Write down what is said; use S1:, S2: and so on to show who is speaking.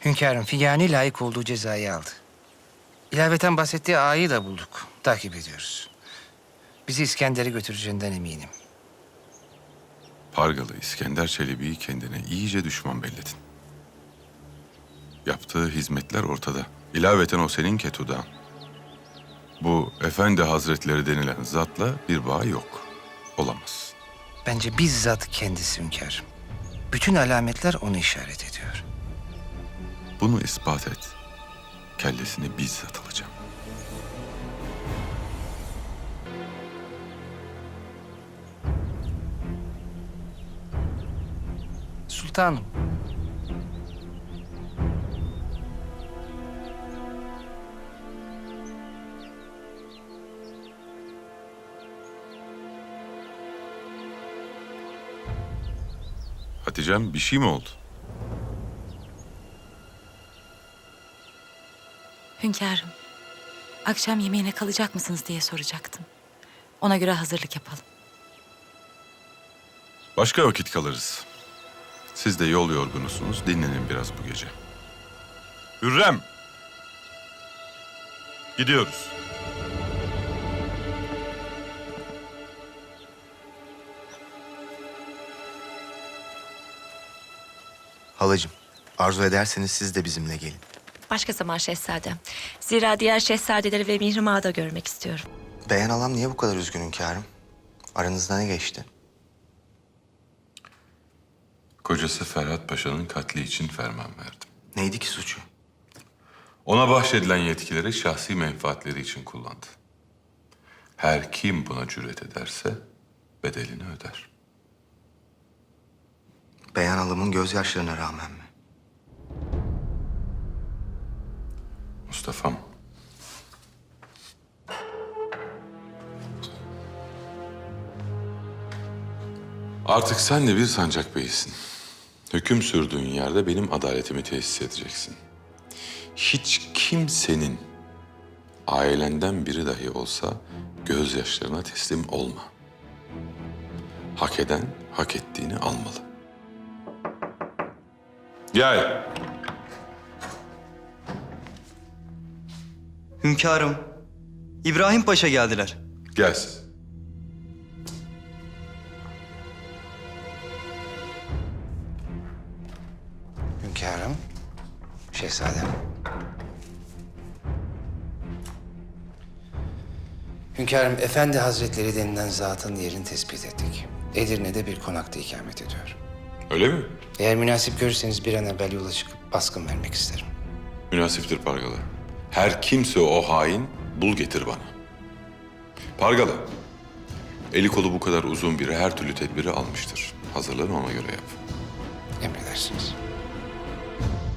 S1: Hünkârım, Figani layık olduğu cezayı aldı. İlaveten bahsettiği ağayı da bulduk. Takip ediyoruz. Bizi İskender'e götüreceğinden eminim.
S2: Pargalı İskender Çelebi'yi kendine iyice düşman belledin. Yaptığı hizmetler ortada. İlaveten o senin Ketudağ'ın. Bu Efendi Hazretleri denilen zatla bir bağ yok. Olamaz.
S1: Bence bizzat kendisi hünkârım. Bütün alametler onu işaret ediyor.
S2: Bunu ispat et. Kellesini bizzat alacağım.
S1: Sultanım.
S2: Hatice'm bir şey mi oldu?
S3: Hünkârım, akşam yemeğine kalacak mısınız diye soracaktım. Ona göre hazırlık yapalım.
S2: Başka vakit kalırız. Siz de yol yorgunusunuz. Dinlenin biraz bu gece. Hürrem! Gidiyoruz.
S4: Halacığım, arzu ederseniz siz de bizimle gelin.
S5: Başka zaman şehzadem. Zira diğer şehzadeleri ve Mihrimah'ı da görmek istiyorum.
S4: Beyan alam niye bu kadar üzgün hünkârım? Aranızda ne geçti?
S2: Kocası Ferhat Paşa'nın katli için ferman verdim.
S4: Neydi ki suçu?
S2: Ona bahşedilen yetkileri şahsi menfaatleri için kullandı. Her kim buna cüret ederse bedelini öder.
S4: Beyan alamın gözyaşlarına rağmen mi?
S2: Mustafa'm. Artık sen de bir sancak beyisin. Hüküm sürdüğün yerde benim adaletimi tesis edeceksin. Hiç kimsenin, ailenden biri dahi olsa gözyaşlarına teslim olma. Hak eden hak ettiğini almalı. Gel.
S6: Hünkârım, İbrahim Paşa geldiler.
S2: Gelsin.
S1: Hünkârım, şehzadem. Hünkârım, Efendi Hazretleri denilen zatın yerini tespit ettik. Edirne'de bir konakta ikamet ediyor.
S2: Öyle mi?
S1: Eğer münasip görürseniz bir an evvel yola çıkıp baskın vermek isterim.
S2: Münasiptir Pargalı. Her kimse o hain bul getir bana. Pargalı, eli kolu bu kadar uzun biri her türlü tedbiri almıştır. Hazırlanı ona göre yap.
S1: Emredersiniz.